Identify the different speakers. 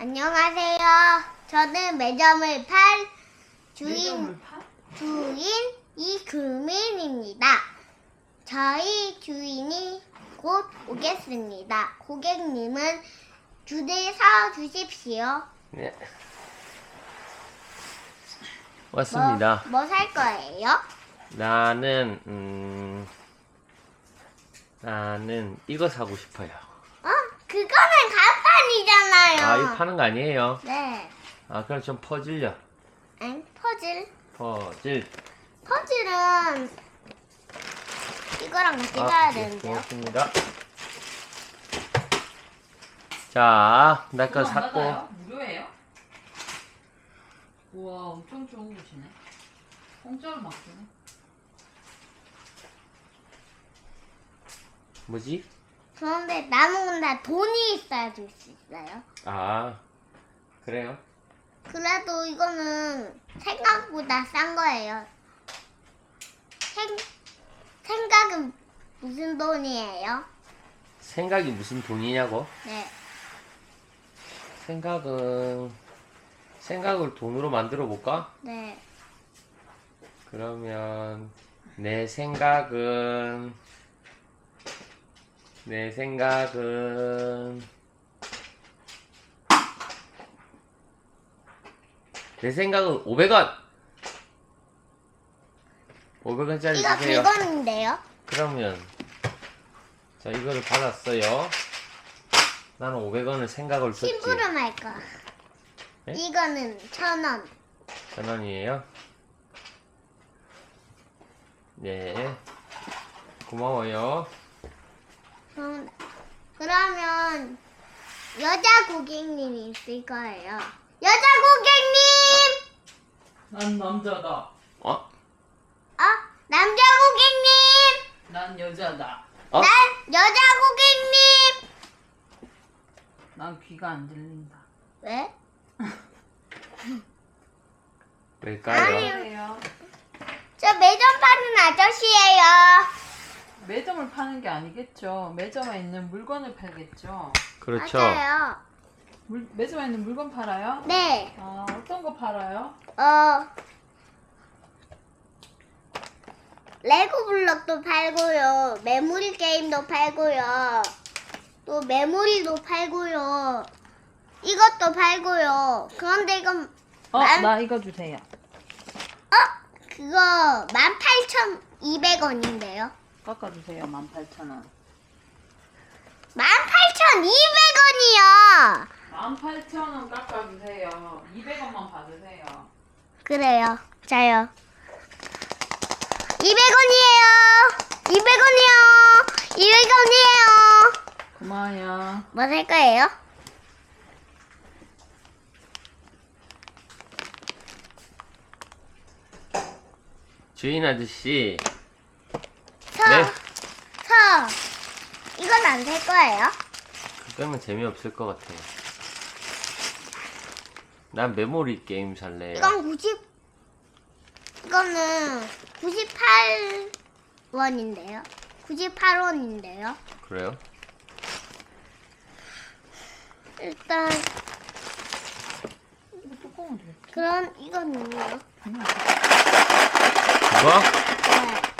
Speaker 1: 안녕하세요. 저는 매점을 팔 주인 이금민입니다. 저희 주인이 곧 오겠습니다. 고객님은 줄 서 주십시오.
Speaker 2: 네. 왔습니다.
Speaker 1: 뭐 살 거예요?
Speaker 2: 나는 이거 사고 싶어요.
Speaker 1: 그거는 간판이잖아요.
Speaker 2: 아, 이거 파는 거 아니에요?
Speaker 1: 네.
Speaker 2: 아, 그럼 좀 퍼즐요.
Speaker 1: 아니, 퍼즐. 퍼즐은 이거랑 같이 사야 되는데요.
Speaker 2: 고맙습니다. 자, 나 거 샀고.
Speaker 3: 무료예요? 우와, 엄청 좋은 곳이네. 공짜로 막 주네.
Speaker 2: 뭐지?
Speaker 1: 그런데 남은 다 돈이 있어야 줄 수 있어요.
Speaker 2: 아, 그래요?
Speaker 1: 그래도 이거는 생각보다 싼 거예요. 생각은 무슨 돈이에요?
Speaker 2: 생각이 무슨 돈이냐고?
Speaker 1: 네.
Speaker 2: 생각을 돈으로 만들어 볼까?
Speaker 1: 네.
Speaker 2: 그러면 내 생각은 500원! 500원짜리
Speaker 1: 이거
Speaker 2: 주세요.
Speaker 1: 100원인데요?
Speaker 2: 그러면 자, 이거를 받았어요. 나는 500원을 생각을 줬지.
Speaker 1: 심부름 할 거.
Speaker 2: 네?
Speaker 1: 이거는 1,000원.
Speaker 2: 1,000원이에요. 네. 고마워요.
Speaker 1: 그러면 여자 고객님이 있을 거예요. 여자 고객님!
Speaker 3: 난 남자다.
Speaker 1: 남자 고객님!
Speaker 3: 난 여자다.
Speaker 2: 어?
Speaker 1: 난 여자 고객님!
Speaker 3: 난 귀가 안 들린다.
Speaker 1: 왜?
Speaker 2: 왜일까요?
Speaker 3: 그래요?
Speaker 1: 저 매점 파는 아저씨예요.
Speaker 3: 매점을 파는 게 아니겠죠. 매점에 있는 물건을 팔겠죠.
Speaker 2: 그렇죠.
Speaker 1: 맞아요.
Speaker 3: 매점에 있는 물건 팔아요?
Speaker 1: 네.
Speaker 3: 아, 어떤 거 팔아요?
Speaker 1: 레고 블럭도 팔고요. 메모리 게임도 팔고요. 또 메모리도 팔고요. 이것도 팔고요. 그런데 이건
Speaker 3: 나 이거 주세요.
Speaker 1: 그거 18,200원인데요.
Speaker 3: 깎아주세요. 18,000원.
Speaker 1: 18,200원이요.
Speaker 3: 18,000원 깎아주세요. 200원만 받으세요.
Speaker 1: 그래요. 자요. 200원이에요. 200원이요. 200원이에요.
Speaker 3: 고마워요.
Speaker 1: 뭐 살 거예요?
Speaker 2: 주인 아저씨.
Speaker 1: 서.
Speaker 2: 네.
Speaker 1: 이건 안 살 거예요?
Speaker 2: 그러면 재미없을 것 같아요. 난 메모리 게임 살래요.
Speaker 1: 이거는 98원인데요. 98원인데요.
Speaker 2: 그래요?
Speaker 1: 일단
Speaker 3: 이거 뚜껑은 돼.
Speaker 1: 그런 이거는요.
Speaker 2: 그거?
Speaker 1: 네.